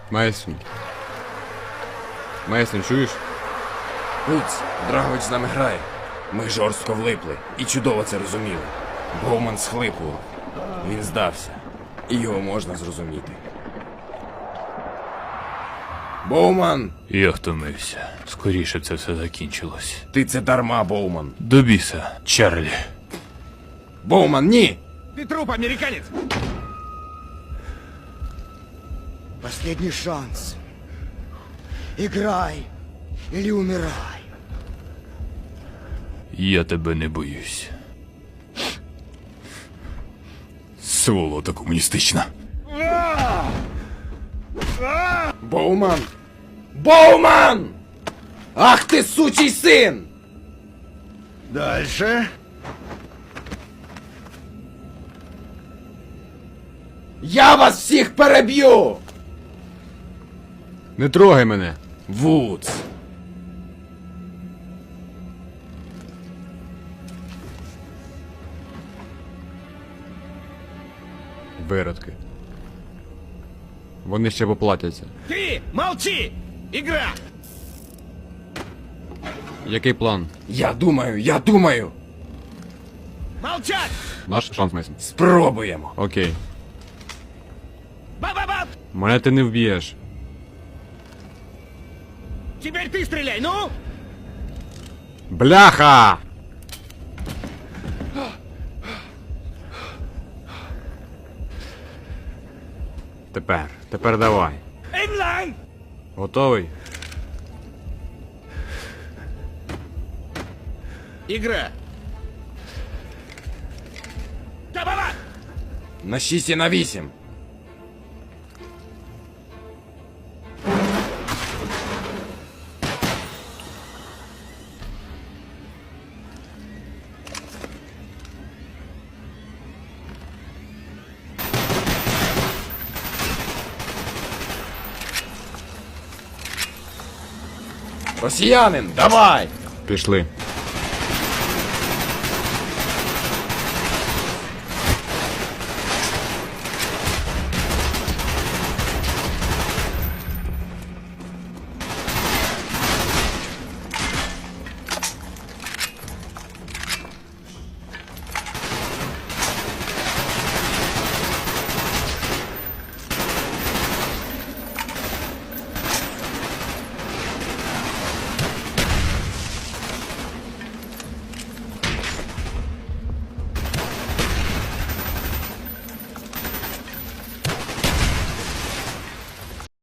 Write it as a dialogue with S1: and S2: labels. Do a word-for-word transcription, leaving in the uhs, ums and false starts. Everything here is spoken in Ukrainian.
S1: Мейсон. Мейсон, чуєш?
S2: Гуць, Драгович з нами грає. Ми жорстко влипли і чудово це розуміли. Боуман схлипував. Він здався. І його можна зрозуміти. Боуман!
S3: Я втомився. Скоріше це все закінчилось.
S2: Ти це дарма, Боуман.
S3: До біса, Чарлі.
S2: Боуман, ні!
S4: Ты труп, американец!
S5: Последний шанс. Играй или умирай.
S3: Я тебе не боюсь. Сволота комуністична.
S2: Боуман! Боуман! Ах ти, сучий син!
S4: Дальше.
S2: Я вас всіх переб'ю!
S1: Не трогай мене!
S2: Вудс!
S1: Виродки. Вони ще поплатяться.
S4: Ты молчи! Игра!
S1: Який план?
S2: Я думаю, я думаю!
S4: Молчать!
S1: Наш шанс, Мейсон.
S2: Спробуємо!
S1: Окей.
S4: Ба-ба-ба!
S1: Мене ти не вб'єш.
S4: Теперь ты стреляй, ну!
S1: Бляха! Тепер, тепер давай.
S4: Эймлайн!
S1: Готовий?
S4: Игра! Ба-ба-ба!
S2: На шість і на вісім! Росіянин, давай!
S1: Пішли.